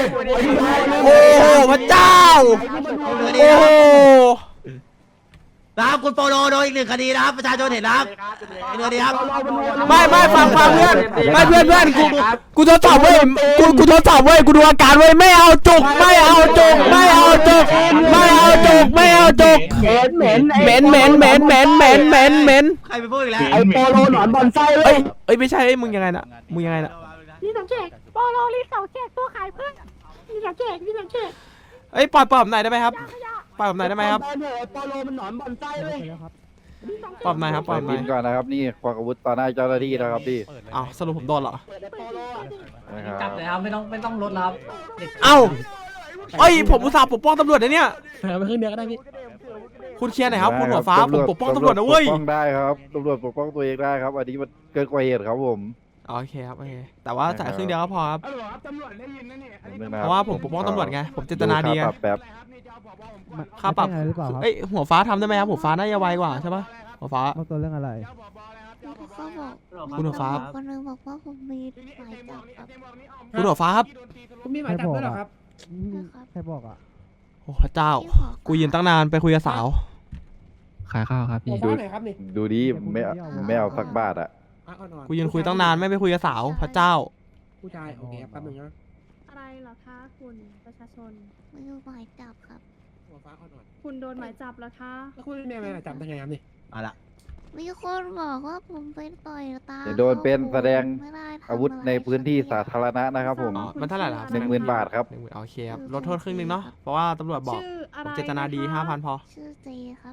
Speaker 4: โอ้โหพระเจ้าโอ้โห
Speaker 5: ตครับคุณโปโลโดนอีกหนึ่งคดีนะครับประชาชนเห็นนะครับอีกหนึ่งคดีครับ
Speaker 4: ไม่ไม่ฟังฟังเพื่อนไม่เพื่อนเพื่อนกูกูทดสอบเว้ยกูกูทดสอบเว้ยกูดูอาการเว้ยไม่เอาจุกไม่เอาจุกไม่เอาจุกไม่เอาจุกไม่เอาจุกเหม็นเหม็นเหม็นเหม็นเหม็นเหม็นเหม็นเหม็น
Speaker 5: ใครไปพูดอีกแล้ว
Speaker 1: ไอโปโลหนอนบอลไส้เล
Speaker 4: เอ้
Speaker 1: ย
Speaker 4: ยเอ้ยไม่ใช่เอ้ยมึงยังไงน่ะมึงยังไงน่ะ
Speaker 11: นี่สังเกตโปโลลิสองเกตตัวขายเพื่อนนี่สังเกตนี่สังเกต
Speaker 4: เอ้ยปล่อยปล่อยผมหน่อยได้ไหมครับปล่อยผมหน่อยได้ไหมครับ
Speaker 1: ไอโปโลมันหนอนบอลไส้เลย
Speaker 4: ปล่อยผมหน่อยครับปล่อยผมหน่อย
Speaker 10: ก่อนนะครับนี่ควักอาวุธต่อหน้าเจ้าหน้าที่นะครับพี่
Speaker 4: อ้าวสรุปผมโดนเหรอ
Speaker 5: จับเลยครับไม่ต้องไม่ต้องลดครับ
Speaker 4: เอ้าเอ้ยผมอุตส่าห์ปกป้องตำรวจนะเนี่ย
Speaker 6: ไปขึ้นเดียวก็ได้พี่
Speaker 4: คุณเคลียร์หน่อยครับคุณหัวฟ้าผมปกป้องตำรวจนะเว้ย
Speaker 10: ปกป้องได้ครับตำรวจปกป้องตัวเองได้ครับอันนี้มันเกินกว่าเหตุครับผม
Speaker 4: โอเคครับโอเคแต่ว่าจ่ายครึ่งเดียวก็พอครับ
Speaker 1: ฮัลโหลครับตำรวจได้ยินนะเนี่ยอันนี้
Speaker 4: เพราะว่าผมปกป้องตำรวจไงผมเจตนาดีไง
Speaker 10: ค่ปรับแป๊บ
Speaker 4: ค่าปรับเอ้ยหัวฟ้าทำได้ไหมครับหัวฟ้าน่าจะไวกว่าใช่ปะหัวฟ้า
Speaker 9: ตัวเรื่องอะไร
Speaker 11: เขาบอก
Speaker 4: คุณหัวฟ้า
Speaker 11: คนนึงบอกว่าผมมีหมายจับครับ
Speaker 4: คุณหัวฟ้าครับ
Speaker 6: คุณมีหมายจับด้วยเหรอครับ
Speaker 11: นะครับ
Speaker 9: ใครบอกอ่ะ
Speaker 4: โอ้พระเจ้ากูยืนตั้งนานไปคุยกับสาว
Speaker 9: ขายข้าวครับพี่
Speaker 6: หัวฟ้าไหนครับนี่
Speaker 10: ดูดิไม่เอาไม่เอาสักบาทอ่ะ
Speaker 6: อ่ะอ่อนๆ
Speaker 4: กูยืนคุยตั้งนานไม่ไปคุยกับสาวพระเจ้า
Speaker 6: ผู้ชายโอเคแป๊บหนึงนะ
Speaker 11: อะไรเหรอคะคุณประชาชนมีหมายจับครับ
Speaker 6: หัวฟ้าอ่อน
Speaker 11: คุณโดนหมายจับแล้วคะ
Speaker 6: ๆแล้วคุณมีหมายจับได้ไงครับนี่
Speaker 5: เอาละ
Speaker 11: มีคนบอกว่าผมไปต่อยตา
Speaker 10: จะโดนเป็นแสดง
Speaker 11: ไม่ได้ทำ
Speaker 10: อาวุธในพื้นที่สาธารณะนะครับผม
Speaker 4: อ๋อมันเท่าไหร่ล่ะครับ
Speaker 10: หนึ่งหมื่นบาทครับ
Speaker 4: หนึ่งหมื่นโอเคครับลดโทษครึ่งหนึงเนาะเพราะว่าตำรวจบอก
Speaker 11: ชื่ออะ
Speaker 4: ผ
Speaker 11: ไร
Speaker 4: มเจตนาดีห้าพันพอ
Speaker 11: ชื่อเจครับ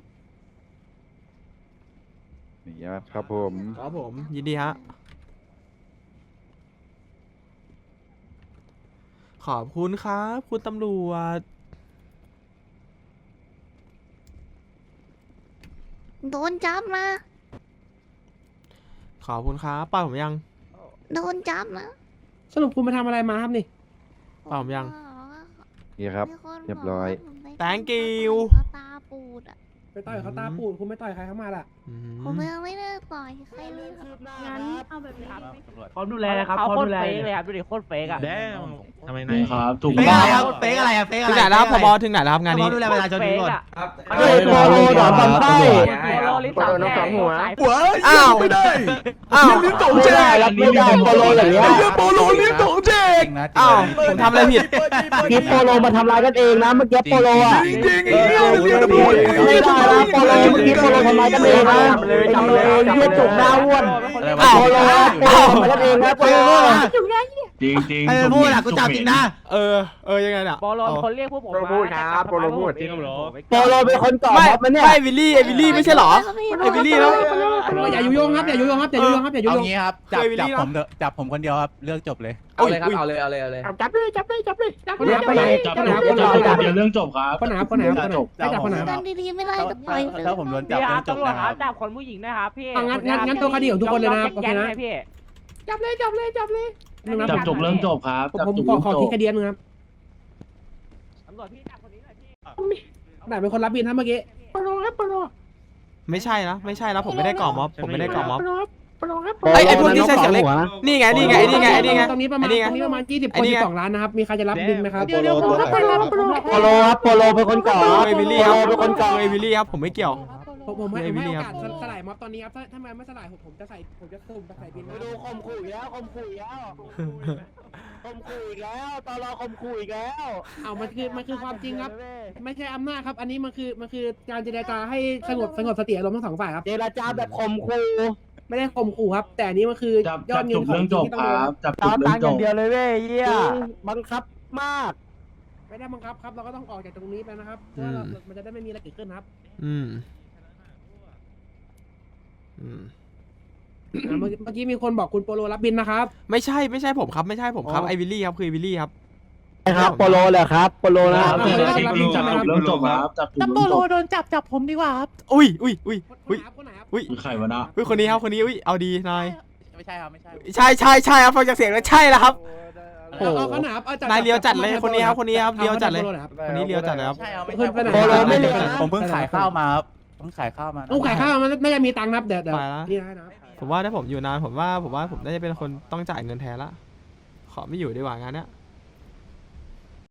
Speaker 10: นี่ครับผม
Speaker 4: ครับผมยินดีฮะขอบคุณครับคุณตำรวจ
Speaker 11: โดนจับนะ
Speaker 4: ขอบคุณครับปล่อยผมยัง
Speaker 11: โดนจับนะ
Speaker 6: สรุปคุณมาทำอะไรมาครับนี่
Speaker 4: ปล่อยผมยัง
Speaker 10: นี่ครับ
Speaker 11: มีคน
Speaker 10: เรียบร้อย
Speaker 11: กว่าผมไป
Speaker 4: Thank you
Speaker 11: เขาตาปูดอ่ะ
Speaker 6: ไปต่อยเขาตาปูดคุณไม่ต่อยใครเข้ามาล่ะ
Speaker 4: อื
Speaker 11: ผม
Speaker 4: ม
Speaker 11: ยังไม่ได้ต่อยใครเลยครับงั้นเอาแบบนี้
Speaker 3: พร้อมดูแลนะครับพร้อมดูแลเลยครับ
Speaker 2: แด้ทำไมไหน
Speaker 3: ครับถูก
Speaker 5: เฟกอะไรครับเฟกอะไรอะเฟกอะ
Speaker 4: ถึ
Speaker 5: ไรง
Speaker 4: ไหนแล้วครับผบถึงไหนแล้วครับงานนี้
Speaker 5: เขาดูแลประชาชนทุกคน
Speaker 3: ครับ
Speaker 1: ไอโปโลหนอนบอลไส้
Speaker 3: โปโลลิสองแกหัว
Speaker 1: หัว
Speaker 4: อ้าว
Speaker 1: ไม่ได้
Speaker 4: อ้าว
Speaker 1: ลิ้นสองแจกไม่ได้โปโลอย่างเงี้ยไอ้เหี้ยโปโลลิ้นสองแจก
Speaker 10: จริงนะ
Speaker 4: อ้าวผมทำอะไรผิด
Speaker 1: พี่โปโลมาทำร้ายกันเองนะเมื่อกี้โปโลอ่ะจริงๆไอ้เหี้ยเรียกตำรวจไม่ได้นะโปโลเมื่อกี้โปโลทำร้ายกันเองนะทำเลยเรียกจุกหน้าอ้วน
Speaker 4: อ้าว
Speaker 1: โปโลโปโลทำร้ายกันเองนะโปโล
Speaker 3: จริงจริง
Speaker 5: ไอ้พูดอะกูจับจริงนะ
Speaker 4: เออเออยังไงน่ะ
Speaker 3: โปโลคนเรียกพวกผม
Speaker 1: โปโลพูดครับโปโลพูด
Speaker 2: จริงครับเหรอ
Speaker 1: โปโลเป็นคนก่อ
Speaker 4: ไม่
Speaker 1: ม็อบมันเนี่ย
Speaker 4: ไม่วิลลี่ไอวิลลี่ไม่ใช่เหรอ ไอ้บิลลี่แล้ว
Speaker 6: อย่ายุยงครับอย่ายุยงครับอย่ายุยงครับอย่ายุ
Speaker 10: เอา
Speaker 6: ยง
Speaker 10: งี้ครับจับ
Speaker 4: เคยวิลลี่
Speaker 10: จับ
Speaker 4: เนอะ
Speaker 10: ผมเถอะจับผมคนเดียวครับเรื่องจบเลย
Speaker 3: เอาเลยครับเอาเลยเอาเลยเอาเลย
Speaker 11: จับเลยจับเลยจับเลยจับ
Speaker 6: คนไหนคนไหน
Speaker 2: จับ
Speaker 6: คนไหน
Speaker 2: จับ
Speaker 6: คนไหน
Speaker 2: จับเดี๋ยวเรื่องจบครับ
Speaker 6: คนไหนคนไหนคนไหนให้จับคนไหน
Speaker 11: กันดีๆไม่ได้ก็ปล่อยเลย
Speaker 10: ถ้าผมโดนจับเรื่องจบนะครับ
Speaker 3: จับคนผู้หญิงนะครับพี่
Speaker 6: งั้นงั้นงั้นตัวคดีของทุกคนเลยนะครับโอเคนะ
Speaker 3: พี่
Speaker 6: จับเลยจับเลยจับเลย
Speaker 2: จับจบเรื่องจบครับ
Speaker 6: ผมผมขอขอคิดคดีนึงครับ
Speaker 3: ตำรวจพี่จับคนนี้หน่อยพี่
Speaker 6: ไหนเป็นคนรับบินครับเมื่อกี้
Speaker 11: ปลงครับปลง
Speaker 4: ไม่ใช่นะไม่ใช่นะผมไม่ได้ก่อม็อบผมไม่ได้ก่อม็อบ
Speaker 11: ปลงครับปลงครับ
Speaker 4: ไอ้ไอ้พวกที่ใช้เสียงเล็กนี่ไงนี่ไงไอ้นี่ไงไอ้นี่ไง
Speaker 6: ตรงนี้ประมาณ
Speaker 4: ไอ้นี่ไง
Speaker 6: ตรงนี้ประมาณยี่สิบ
Speaker 4: ไอ้
Speaker 6: คน
Speaker 4: นี่
Speaker 6: สิ
Speaker 4: ไง
Speaker 6: บสองล้านนะครับมีใครจะรับบินไหมครับ
Speaker 11: เดี๋ยวเดี๋ยวปลงครับปลงครับปลง
Speaker 1: โปโลครับโปโลเป็นคนก่อ
Speaker 4: เอวิลลี่ครับเอวิลลี่ครับผมไม่เกี่ยว
Speaker 6: ผมผมให้
Speaker 4: เอวิ
Speaker 6: ให้
Speaker 4: ลลี่
Speaker 6: โอ
Speaker 4: ครับ
Speaker 6: กาสสลายม็อบตอนนี้ครับถ้าถ้ามันไม่สลายผมผมจะใส่ผมจะสุ่มจะใส่บิน
Speaker 1: ไปดูคมขู่อีกแล้วคมขู่อีกแล้วคมขู่อีกแล้วตลอคมขู่อีกแล้ว
Speaker 6: เอามันคือมันคือความจริงครับ ไม่ใช่อำนาจครับ อันนี้มันคือมันคือการเจรจาให้สงบสงบสติอารมณ์ทั้งสองฝ่ายครับ
Speaker 1: เจรจาแบบข่มขู่
Speaker 6: ไม่ได้ข่มขู่ครับ แต่อันนี้มันคือ
Speaker 2: จับ
Speaker 6: ยอ
Speaker 2: จั
Speaker 6: ด
Speaker 2: บ
Speaker 6: เงิ
Speaker 2: จ
Speaker 6: น
Speaker 2: บ
Speaker 6: ของ
Speaker 2: เรื่อง
Speaker 6: จ
Speaker 2: จ
Speaker 6: ริง
Speaker 2: บ
Speaker 6: ที่ต้
Speaker 2: ค
Speaker 6: องโด
Speaker 2: รั
Speaker 6: น
Speaker 2: บจับจบเรื่องจบ
Speaker 1: เลยเว้ยเยี่ยบังคับมาก
Speaker 6: ไม่ได้บังคับครับ เราก็ต้องออกจากตรงนี้ไปนะครับเพื่อเรามันจะได้ไม่มีอะไรเกิดขึ้นครับ
Speaker 4: อืมอืม
Speaker 6: อ่าเมื่อเมื่อกี้มีคนบอกคุณโปโลรับบินนะครับ
Speaker 4: ไม่ใช่ไม่ใช่ผมครับไม่ใช่ผมครับไอวิลลี่ครับคือไอ้วิลลี่ครับ
Speaker 1: ครับโปโลแหละครับโปโลนะครับ
Speaker 2: จับจบเรื่องจบครับจับจบ
Speaker 5: ถ้า
Speaker 2: เรื่
Speaker 5: โป
Speaker 2: องจบ
Speaker 5: โลโดนจับจับผมดีกว่าครับ
Speaker 4: อุ้ยอุ้ยอุ้ย
Speaker 6: คน
Speaker 4: อุ้ย
Speaker 6: ไหนครับคนไหนครับ
Speaker 4: อุ้ย
Speaker 2: คือใครวะนะ
Speaker 4: อุ้ยคนนี้ครับคนนี้อุ้ยเอาดีนาย
Speaker 10: ไม่ใช่ครับไม่ใช่
Speaker 4: ใช่ใช่ใช่ครับฟังจากเสียงแล้วใช่แล้วครับ โอ้
Speaker 6: เอา
Speaker 4: โห
Speaker 6: เอาเขาหนาครับเอาจับ
Speaker 4: นายเลี้ยวจัดเลย
Speaker 6: จับ
Speaker 4: คนนี้ครับคนนี้ครับ
Speaker 6: อา
Speaker 4: เลี้ยวจัดเลย
Speaker 6: โปโครับ
Speaker 4: คนนี้เลี้ยวจัดเลยครับ
Speaker 10: ใช่ครับไม่
Speaker 6: ขึ้
Speaker 10: ใช่
Speaker 6: นไปไหน
Speaker 1: โปโลไม่เลี้ยวนะ
Speaker 10: ผมเพิ่งขายข้าวมาครับเพิ่งขายข้าวมานะ
Speaker 6: ต้องขายข้าวมันน่าจะมีตังค์นะครับเดี๋ยวเดี๋ยว
Speaker 4: ไปละ
Speaker 6: นี่ให้นะครับ
Speaker 4: ผมว่าถ้าผมอยู่นานผมว่าผมว่าผมน่าจะเป็นคนต้องจ่ายเงินแทนละขอไม่อยู่ดีกว่างานเนี้ย